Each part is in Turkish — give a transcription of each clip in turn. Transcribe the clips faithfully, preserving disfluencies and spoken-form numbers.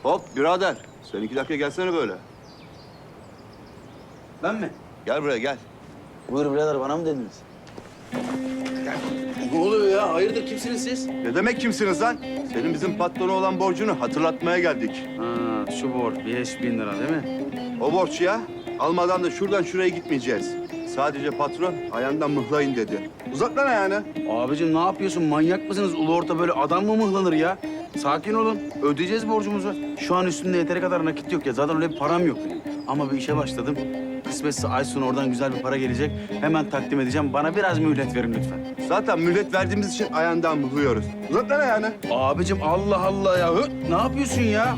Hop birader. Sen iki dakika gelsene böyle. Ben mi? Gel buraya gel. Buyur birader, bana mı dediniz? Ne oluyor ya? Hayırdır, kimsiniz siz? Ne demek kimsiniz lan? Senin bizim patrona olan borcunu hatırlatmaya geldik. Ha, şu borç beş bin lira değil mi? O borç ya. Almadan da şuradan şuraya gitmeyeceğiz. Sadece patron ayağından mıhlayın dedi. Uzat lan ayağını. Abicim ne yapıyorsun? Manyak mısınız? Ulu orta böyle adam mı mıhlanır ya? Sakin olun. Ödeyeceğiz borcumuzu. Şu an üstünde yeteri kadar nakit yok ya. Zaten öyle bir param yok benim. Ama bir işe başladım. Kısmetse ay sonu oradan güzel bir para gelecek. Hemen takdim edeceğim. Bana biraz mühlet verin lütfen. Zaten mühlet verdiğimiz için ayağından mıhlıyoruz. Uzat lan ayağını. Abicim Allah Allah ya. Hı? Ne yapıyorsun ya?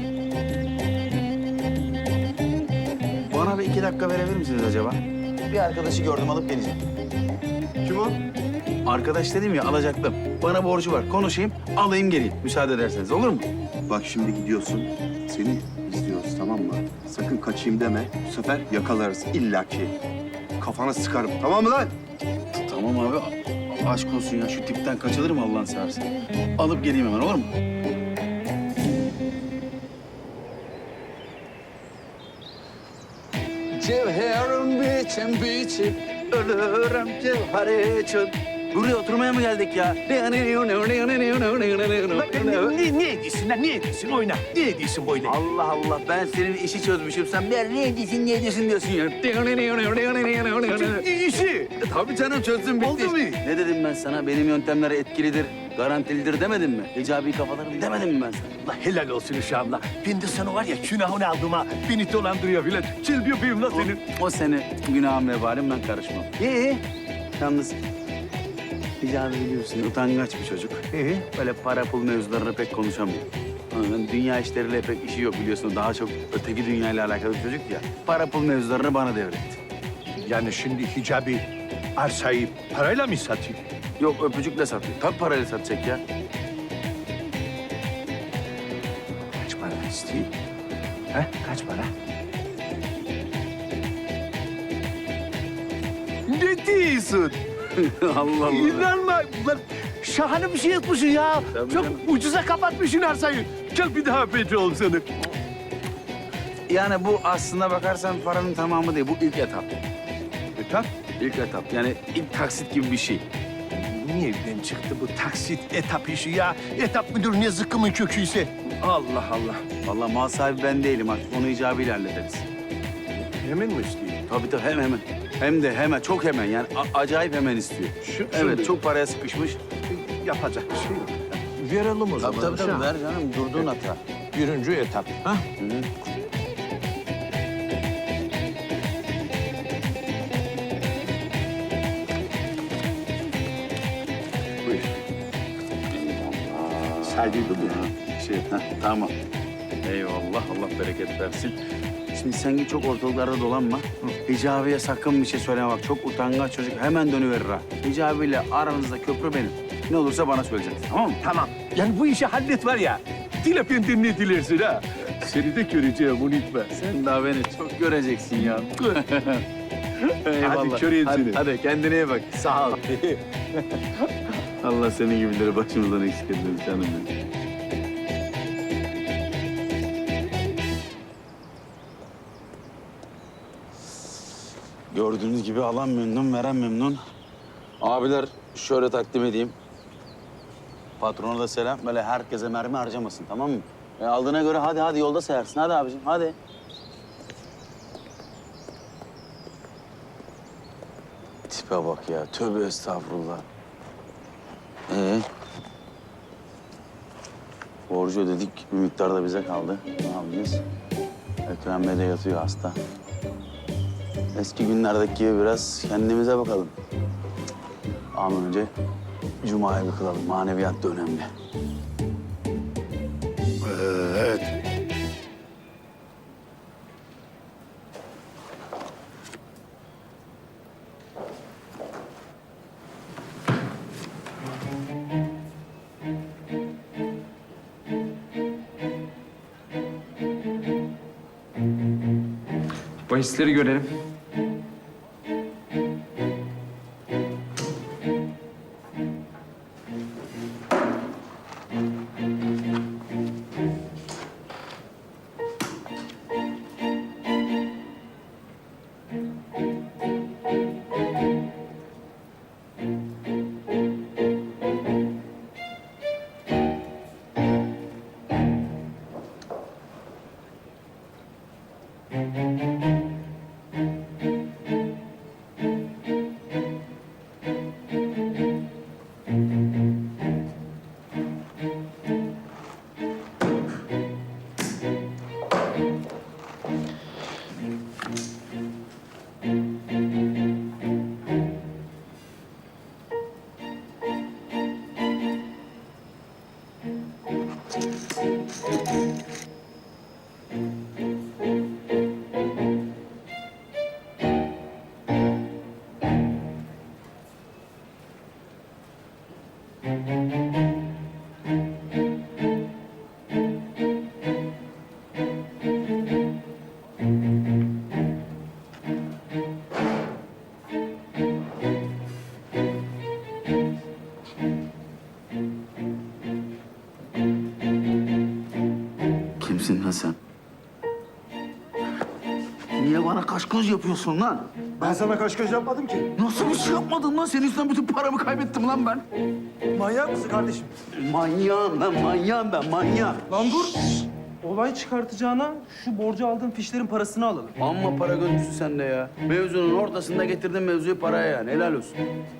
Bana bir iki dakika verebilir misiniz acaba? Bir arkadaşı gördüm, alıp geleceğim. Kim o? Arkadaş dedim ya, alacaktım. Bana borcu var. Konuşayım, alayım geleyim. Müsaade ederseniz olur mu? Bak şimdi gidiyorsun. Seni izliyoruz tamam mı? Sakın kaçayım deme. Bu sefer yakalarız illaki. Kafana sıkarım. Tamam mı lan? Tamam abi. a- Aşk olsun ya. Şu tipten kaçılır mı Allah'ını seversen? Alıp geleyim hemen, olur mu? Cevherim biçim biçim, ölürüm cevher için. Buraya oturmaya mı geldik ya? Ne, ne ediyorsun lan? Ne ediyorsun? Oyna. Ne ediyorsun böyle? Allah Allah, ben senin işi çözmüşüm. Sen ben ne ediyorsun, ne ediyorsun diyorsun ya. İşi. Tabii canım, çözdüm, bitti. Oldu mu? Ne dedim ben sana? Benim yöntemler etkilidir, garantilidir demedim mi? Hicabi kafalarım demedim mi ben sana? La helal olsun uşağımla. Ben de sana var ya günahını aldım ha. Beni dolandırıyor filan. Çil yapayım la senin. O, o seni günahın vebalim, ben karışmam. İyi. Yalnız Hicabi biliyorsun, utangaç bir çocuk. Ee? Böyle para pul mevzularını pek konuşamıyor. Onun dünya işleriyle pek işi yok biliyorsun. Daha çok öteki dünyayla alakalı bir çocuk ya. Para pul mevzularını bana devretti. Yani şimdi hicabi arsayı parayla mı satayım? Yok, öpücükle satıyor. Tabii parayla satacak ya. Kaç para istiyor? Ha? Kaç para? Ne diyorsun? Allah Allah. İnanma. Lan şahane bir şey yapmışsın ya. Tabii Çok canım. ucuza kapatmışsın arsayı. Gel bir daha petrol sana. Yani bu aslına bakarsan paranın tamamı değil. Bu ilk etap. Etap? İlk etap. Yani ilk taksit gibi bir şey. Nereden çıktı bu taksit etap işi ya? Etap müdür ne zıkkımın köküyse. Allah Allah. Vallahi mal sahibi ben değilim artık. Onu icabıyla hallederiz. Hemen mi istiyor? Tabii tabii, hem hemen. Hem de hemen, çok hemen yani a- acayip hemen istiyor. Şu, Evet, çok paraya sıkışmış. yapacak bir şey yok. Verelim o zaman. uşağım. ver canım, durduğun hata. Birinci etap. Ha? Hı hı. Buyur. Saydıydım ya. Şey, heh, tamam. Eyvallah, Allah bereket versin. Şimdi sen git, çok ortalıklarda dolanma. Hicabi'ye sakın bir şey söyleme bak. Çok utangaç çocuk, hemen dönüverir ha. Hicabi'yle aranızda köprü benim. Ne olursa bana söyleyeceksin, tamam mı? Tamam. Yani bu işi hallet var ya. Dile benden ne dilersin ha? Seni de göreceğim, unutma. Sen daha beni çok göreceksin ya. Eyvallah. köreyim hadi, seni. Hadi kendine iyi bak. Sağ ol. Allah senin gibileri başımızdan eksik etmesin canım benim. Gördüğünüz gibi alan memnun, veren memnun. Abiler şöyle takdim edeyim. Patrona da selam. Böyle herkese mermi harcamasın, tamam mı? E, aldığına göre hadi hadi yolda sayarsın. Hadi abicim, hadi. Tipe bak ya. Tövbe estağfurullah. Ee? Borcu ödedik. Bir miktar da bize kaldı. Ne yapacağız? Ekrem Bey de yatıyor hasta. Eski günlerdeki gibi biraz kendimize bakalım. Ama önce Cuma'yı bir kılalım. Maneviyat da önemli. Evet. Bahisleri görelim. Kimsin lan sen? Niye bana kaş göz yapıyorsun lan? Ben sana kaş göz yapmadım ki. Nasıl bir şey yapmadın lan? Senin yüzünden bütün paramı kaybettim lan ben. Manyak mısın kardeşim? Manyağım ben, manyağım ben, manyağım. Lan dur. Olay çıkartacağına şu borcu aldığın fişlerin parasını alalım. Amma para gözcüsün sen de ya. Mevzunun ortasında getirdin mevzuyu paraya yani. Helal olsun.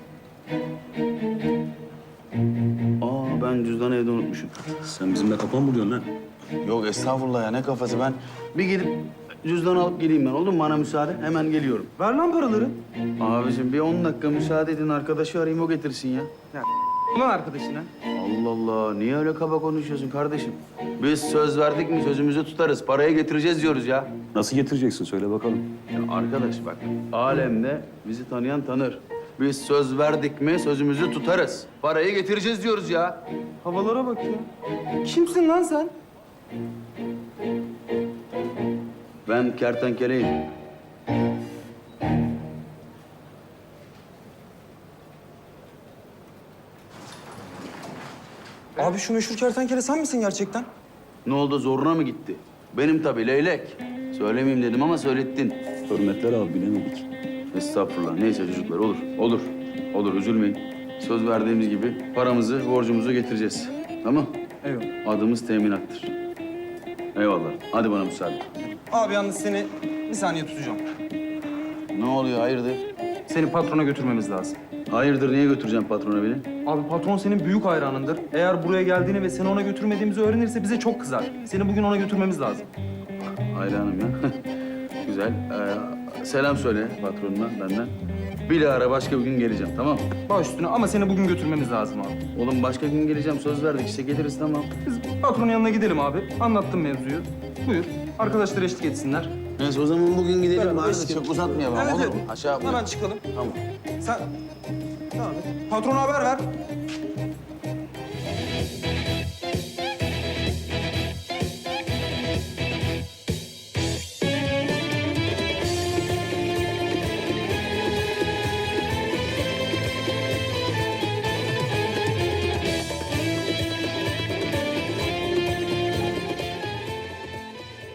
Aa ben cüzdanı evde unutmuşum. Sen bizimle kapan mı vuruyorsun lan? Yok estağfurullah ya ne kafası ben. Bir gidip cüzdanı alıp geleyim ben oldu mu? Bana müsaade hemen geliyorum. Ver lan paraları. Abicim bir on dakika müsaade edin arkadaşı arayayım o getirsin ya. Ulan arkadaşına. Allah Allah niye öyle kaba konuşuyorsun kardeşim? Biz söz verdik mi sözümüzü tutarız. Parayı getireceğiz diyoruz ya. Nasıl getireceksin söyle bakalım. Ya arkadaş bak alemde bizi tanıyan tanır. Biz söz verdik mi sözümüzü tutarız. Parayı getireceğiz diyoruz ya. Havalara bak ya. Kimsin lan sen? Ben kertenkeleyim. Abi şu meşhur kertenkele sen misin gerçekten? Ne oldu zoruna mı gitti? Benim tabii leylek. Söylemeyeyim dedim ama söylettin. Hürmetler abi bilemedik. Estağfurullah. Neyse çocuklar olur. Olur. Olur üzülmeyin. Söz verdiğimiz gibi paramızı, borcumuzu getireceğiz. Tamam? Eyvallah. Adımız teminattır. Eyvallah. Hadi bana müsaade. Abi yalnız seni bir saniye tutacağım. Ne oluyor hayırdır? Seni patrona götürmemiz lazım. Hayırdır niye götüreceğim patrona beni? Abi patron senin büyük hayranındır. Eğer buraya geldiğini ve seni ona götürmediğimizi öğrenirse bize çok kızar. Seni bugün ona götürmemiz lazım. Hayranım ya. Güzel. Ee, selam söyle patronuna benden. Bir ara başka bir gün geleceğim tamam mı? Baş üstüne ama seni bugün götürmemiz lazım abi. Oğlum başka gün geleceğim söz verdik işte geliriz tamam. Biz patronun yanına gidelim abi. Anlattım mevzuyu. Buyur. Arkadaşlar eşlik etsinler. Neyse o zaman bugün gidelim Beraber bari eşlik çok edelim. uzatmayalım Evet, olur evet. mu? Aşağı Hemen çıkalım. Tamam. Sen... Devam et. Patrona haber ver.